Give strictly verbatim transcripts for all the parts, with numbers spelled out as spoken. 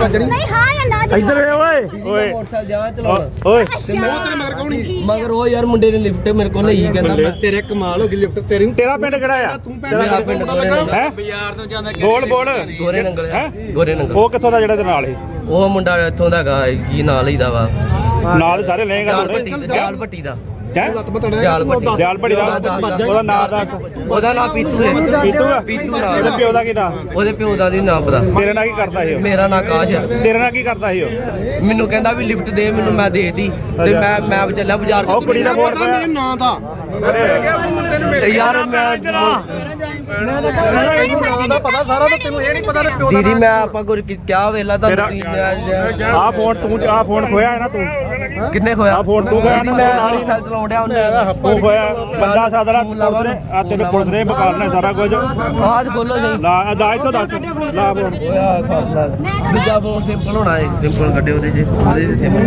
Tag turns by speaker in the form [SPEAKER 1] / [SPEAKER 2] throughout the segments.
[SPEAKER 1] नहीं हां या ना
[SPEAKER 2] इधर ओए ओए
[SPEAKER 3] मोटरसाइकिल जा चलाना
[SPEAKER 2] ओए
[SPEAKER 1] ते मगर मगर कौन
[SPEAKER 3] मगर वो यार मुंडे ने लिफ्ट मेरे को नहीं कहंदा
[SPEAKER 4] तेरे कमाल हो गई लिफ्ट तेरी
[SPEAKER 2] तेरा पिंड किहड़ा आ
[SPEAKER 3] मेरा पिंड गोरे नंगल
[SPEAKER 2] है
[SPEAKER 3] बाजार ਤੋਂ ਜਾਂਦਾ
[SPEAKER 2] बोल बोल
[SPEAKER 3] गोरे नंगल
[SPEAKER 2] है
[SPEAKER 3] गोरे नंगल
[SPEAKER 2] ਉਹ ਕਿੱਥੋਂ ਦਾ ਜਿਹੜਾ ਤੇ ਨਾਲ ਹੀ
[SPEAKER 3] ਉਹ ਮੁੰਡਾ ਇੱਥੋਂ ਦਾ ਹੈਗਾ ਕੀ ਨਾਂ ਲਈਦਾ ਵਾ
[SPEAKER 2] ਨਾਲ ਸਾਰੇ ਲਏਗਾ
[SPEAKER 3] ਜਾਲ ਭੱਟੀ ਜਾਲ ਭੱਟੀ ਦਾ
[SPEAKER 2] ਹੈ
[SPEAKER 3] ਜਾਲ ਭੱਟੀ
[SPEAKER 2] ਦਿਆਲ ਬੜੀ ਦਾ ਉਹਦਾ ਨਾਂ ਦੱਸ
[SPEAKER 3] ਉਹਦਾ ਨਾਂ ਪੀਤੂ ਹੈ
[SPEAKER 2] ਪੀਤੂ ਆ
[SPEAKER 3] ਪੀਤੂ
[SPEAKER 2] ਇਹਦੇ
[SPEAKER 3] ਨਾਂ
[SPEAKER 2] ਪਿਓ ਦਾ ਕੀ ਨਾਂ
[SPEAKER 3] ਉਹਦੇ ਪਿਓ ਦਾ ਨਹੀਂ ਨਾਂ ਪਤਾ
[SPEAKER 2] ਤੇਰੇ ਨਾਲ ਕੀ ਕਰਦਾ ਸੀ ਉਹ
[SPEAKER 3] ਮੇਰਾ ਨਾਂ ਆਕਾਸ਼ ਹੈ
[SPEAKER 2] ਤੇਰੇ ਨਾਲ ਕੀ ਕਰਦਾ ਸੀ ਉਹ
[SPEAKER 3] ਮੈਨੂੰ ਕਹਿੰਦਾ ਵੀ ਲਿਫਟ ਦੇ ਮੈਨੂੰ ਮੈਂ ਦੇਤੀ ਤੇ ਮੈਂ ਮੈਂ ਚੱਲਿਆ ਬਾਜ਼ਾਰ
[SPEAKER 2] ਉਹ ਕੁੜੀ ਦਾ ਫੋਨ
[SPEAKER 4] ਮੇਰੇ ਨਾਂ ਦਾ
[SPEAKER 3] ਤੇ ਯਾਰ ਮੈਂ
[SPEAKER 4] ਦਾ ਪਤਾ ਸਾਰਾ ਤਾਂ ਤੈਨੂੰ ਇਹ ਨਹੀਂ ਪਤਾ ਪਿਓ ਦਾ
[SPEAKER 3] ਦੀਦੀ ਮੈਂ ਆਪਾਂ ਕੋਈ ਕਿਆ ਵੇਲਾ ਤੁਹਾਨੂੰ
[SPEAKER 2] ਆ ਫੋਨ ਤੂੰ ਆ ਫੋਨ ਖੋਇਆ ਹੈ ਨਾ ਤੂੰ
[SPEAKER 3] ਕਿੰਨੇ ਖੋਇਆ
[SPEAKER 2] ਆ ਫੋਨ ਤੂੰ ਖੋਇਆ ਨਾ
[SPEAKER 3] ਮੈਂ
[SPEAKER 2] ਨਾਲ ਹੀ
[SPEAKER 3] ਸਾਲ ਚਲਾਉਣ ਡਿਆ ਉਹਨੇ
[SPEAKER 2] ਤੂੰ ਖੋਇਆ ਬੰਦਾ ਸਾਦਰਾ ਪੁਲਿਸ ਨੇ ਆ ਤੈਨੂੰ ਪੁਲਿਸ ਨੇ ਬਕਾਲਣਾ ਸਾਰਾ ਕੁਝ
[SPEAKER 3] ਆਜ ਖੋਲੋ ਸਹੀ
[SPEAKER 2] ਲਾ ਅਦਾਇ ਤੋਂ ਦੱਸ ਲਾ ਫੋਨ
[SPEAKER 3] ਓਇਆ ਖਾਲਾ ਦੂਜਾ ਫੋਨ ਸਿੰਪਲ ਹੋਣਾ ਹੈ ਸਿੰਪਲ ਕੱਢੇ ਉਹਦੇ ਚ ਉਹਦੇ ਚ ਸਿੰਪਲ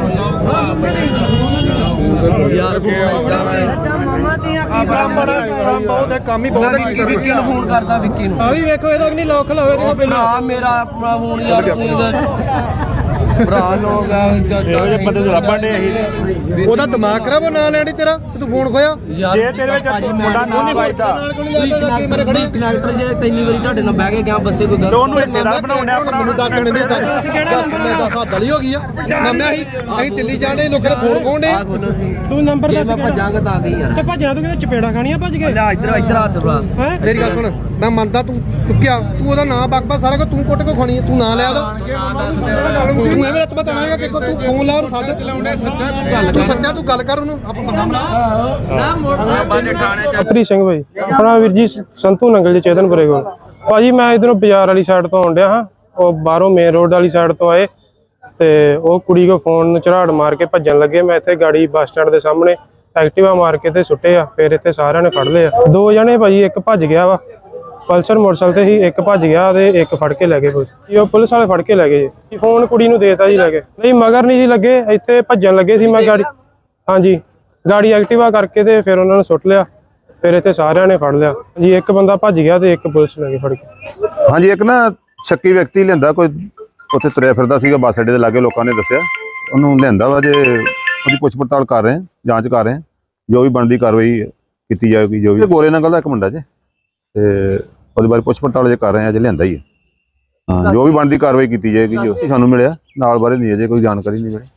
[SPEAKER 3] ਯਾਰ ਜਾਣਾ ਹੈ
[SPEAKER 1] मामा ते
[SPEAKER 4] ਕੰਮ ਬੜਾ ਕੰਮ ਬਹੁਤ ਹੈ ਕੰਮ ਹੀ ਬਹੁਤ ਹੈ
[SPEAKER 3] ਵਿੱਕੀ ਵਿੱਕੀ ਨੂੰ ਫੋਨ ਕਰਦਾ ਵਿੱਕੀ ਨੂੰ
[SPEAKER 5] ਆ ਵੀ ਵੇਖੋ ਇਹਦਾ ਨਹੀਂ ਲੋਕ ਲਾਵੇ ਦੇਖੋ ਪਹਿਲਾਂ
[SPEAKER 3] ਭਰਾ ਮੇਰਾ ਆਪਣਾ ਫੋਨ ਯਾਰ ਤੂੰ ਭਰਾ ਲੋਕ ਆ
[SPEAKER 2] ਇਹੋ ਜਿਹੇ ਬੰਦੇ ਤੋਂ ਲੱਭਣ ਦੇ ਅਸੀਂ
[SPEAKER 4] ਉਹਦਾ ਦਿਮਾਗ ਖਰਾਬ ਉਹ ਨਾਂ ਲੈਣੀ ਤੇਰਾ ਤੂੰ ਫੋਨ ਖੋਇਆ
[SPEAKER 2] ਜੇ ਤੇਰੇ ਵਿੱਚ ਮੁੰਡਾ ਨਾ ਵੱਜਦਾ
[SPEAKER 3] ਕਨੈਕਟਰ ਜਿਹੜੇ ਤਿੰਨੀ ਵਾਰੀ ਤੁਹਾਡੇ ਨਾਲ ਬਹਿ ਕੇ ਗਿਆ ਬੱਸੇ ਕੋਈ
[SPEAKER 2] ਤੇ ਉਹਨੂੰ ਹਿੱਸੇਦਾਰ ਬਣਾਉਣੇ ਆਪਣਾ
[SPEAKER 4] ਮੈਨੂੰ ਦੱਸ ਮੈਨੂੰ ਦੱਸ ਮੈਂ ਦੱਸ ਹੱਦ ਵਾਲੀ ਹੋ ਗਈ ਆ ਮੰਮਿਆ ਅਸੀਂ ਅਸੀਂ ਦਿੱਲੀ ਜਾਣੇ ਲੋਕਾਂ ਦੇ ਫੋਨ ਖੋਣੇ
[SPEAKER 3] ਆ ਖੋਲੋ ਸੀ
[SPEAKER 5] ਤੂੰ ਨੰਬਰ
[SPEAKER 3] ਜੇ
[SPEAKER 5] ਦੱਸ
[SPEAKER 3] ਮੈਂ ਭੱਜਾਂਗਾ ਤਾਂ ਗਈ ਯਾਰ
[SPEAKER 5] ਤੇ ਭੱਜਣਾ ਤੂੰ ਕਿਤੇ ਚਪੇੜਾ ਖਾਣੀਆਂ ਭੱਜ ਕੇ
[SPEAKER 3] ਲੈ ਇੱਧਰ ਇੱਧਰ ਹੱਥ ਲਾ
[SPEAKER 5] ਹੈ
[SPEAKER 4] ਮੇਰੀ ਗੱਲ ਸੁਣ ਮੈਂ ਮੰਨਦਾ ਤੂੰ ਚੁੱਕਿਆ ਤੂੰ ਉਹਦਾ ਨਾਂ ਬਕਬਾ ਸਾਰਾ ਕੁਝ ਤੂੰ ਕੁੱਟ ਕੇ ਖਾਣੀ ਤੂੰ ਨਾਂ ਲਿਆ ਉਹਦਾ ਤੂੰ ਐਵੇਂ ਰੱਤ ਬਤਾਣਾਗਾ ਕਿ ਤੂੰ ਫੋਨ ਲਾ ਉਹਨੂੰ ਸੱਚ ਤੂੰ ਸੱਚਾ ਤੂੰ ਗੱਲ ਕਰ ਉਹਨੂੰ ਆਪਾਂ ਬੰਦਾ ਬਣਾ
[SPEAKER 5] ਅਪਰੀ ਸਿੰਘ ਭਾਈ ਆਪਣਾ ਵੀਰ ਜੀ ਸੰਤੂ ਨੰਗਲ ਜੀ ਚੇਤਨਪੁਰੇ ਕੋਲ ਭਾਜੀ ਮੈਂ ਇਧਰੋਂ ਬਾਜ਼ਾਰ ਵਾਲੀ ਸਾਈਡ ਤੋਂ ਆਉਂਦਿਆ ਹਾਂ ਉਹ ਬਾਹਰੋਂ ਮੇਨ ਰੋਡ ਵਾਲੀ ਸਾਈਡ ਤੋਂ ਆਏ ਤੇ ਉਹ ਕੁੜੀ ਕੋ ਫੋਨ ਨੂੰ ਝਰਾੜ ਮਾਰ ਕੇ ਭੱਜਣ ਲੱਗੇ ਮੈਂ ਇੱਥੇ ਗਾੜੀ ਬੱਸ ਸਟੈਂਡ ਦੇ ਸਾਹਮਣੇ ਐਕਟਿਵਾ ਮਾਰ ਕੇ ਤੇ ਸੁੱਟੇ ਆ ਫਿਰ ਇੱਥੇ ਸਾਰਿਆਂ ਨੇ ਫੜ ਲਏ ਆ ਦੋ ਜਣੇ ਭਾਜੀ ਇੱਕ ਭੱਜ ਗਿਆ ਵਾ ਪਲਸਰ ਮੋਟਰਸਾਈਕਲ ਤੇ ਹੀ ਇੱਕ ਭੱਜ ਗਿਆ ਤੇ ਇੱਕ ਫੜ ਕੇ ਲੈ ਗਏ ਪੁਲਿਸ ਉਹ ਪੁਲਿਸ ਵਾਲੇ ਫੜ ਕੇ ਲੈ ਗਏ ਜੀ ਫੋਨ ਕੁੜੀ ਨੂੰ ਦੇਤਾ ਜੀ ਲੈ ਕੇ ਨਹੀਂ ਮਗਰ ਨਹੀਂ ਜੀ ਲੱਗੇ ਇੱਥੇ ਭੱਜਣ ਲੱਗੇ ਸੀ ਮੈਂ ਗਾੜੀ ਹਾਂਜੀ ਗਾੜੀ ਐਕਟਿਵਾ ਕਰਕੇ ਤੇ ਫਿਰ ਉਹਨਾਂ ਨੂੰ ਸੁੱਟ ਲਿਆ ਫਿਰ ਇੱਥੇ ਸਾਰਿਆਂ ਨੇ ਫੜ ਲਿਆ ਜੀ ਇੱਕ ਬੰਦਾ ਭੱਜ ਗਿਆ ਤੇ ਇੱਕ ਪੁਲਿਸ ਲੈ ਕੇ ਫੜ ਕੇ
[SPEAKER 6] ਹਾਂਜੀ ਇੱਕ ਨਾ ਸ਼ੱਕੀ ਵਿਅਕਤੀ ਲਿਆਂਦਾ ਕੋਈ ਉੱਥੇ ਤੁਰਿਆ ਫਿਰਦਾ ਸੀਗਾ ਬੱਸ ਅੱਡੇ ਦੇ ਲਾਗੇ ਲੋਕਾਂ ਨੇ ਦੱਸਿਆ ਉਹਨੂੰ ਲਿਆਂਦਾ ਵਾ ਜੇ ਉਹਦੀ ਪੁੱਛ ਪੜਤਾਲ ਕਰ ਰਹੇ ਜਾਂਚ ਕਰ ਰਹੇ ਜੋ ਵੀ ਬਣਦੀ ਕਾਰਵਾਈ ਕੀਤੀ ਜਾਏਗੀ ਜੋ ਵੀ ਗੋਰੇ ਨੰਗਲ ਦਾ ਇੱਕ ਮੁੰਡਾ ਜੇ ਤੇ ਉਹਦੇ ਬਾਰੇ ਪੁੱਛ ਪੜਤਾਲ ਜੇ ਕਰ ਰਹੇ ਆ ਜੇ ਲਿਆਂਦਾ ਹੀ ਹੈ ਹਾਂ ਜੋ ਵੀ ਬਣਦੀ ਕਾਰਵਾਈ ਕੀਤੀ ਜਾਏਗੀ ਜੋ ਸਾਨੂੰ ਮਿਲਿਆ ਨਾਲ ਬਾਰੇ ਨਹੀਂ ਅਜੇ ਕੋਈ ਜਾਣਕਾਰੀ ਨਹੀਂ ਮਿਲੀ।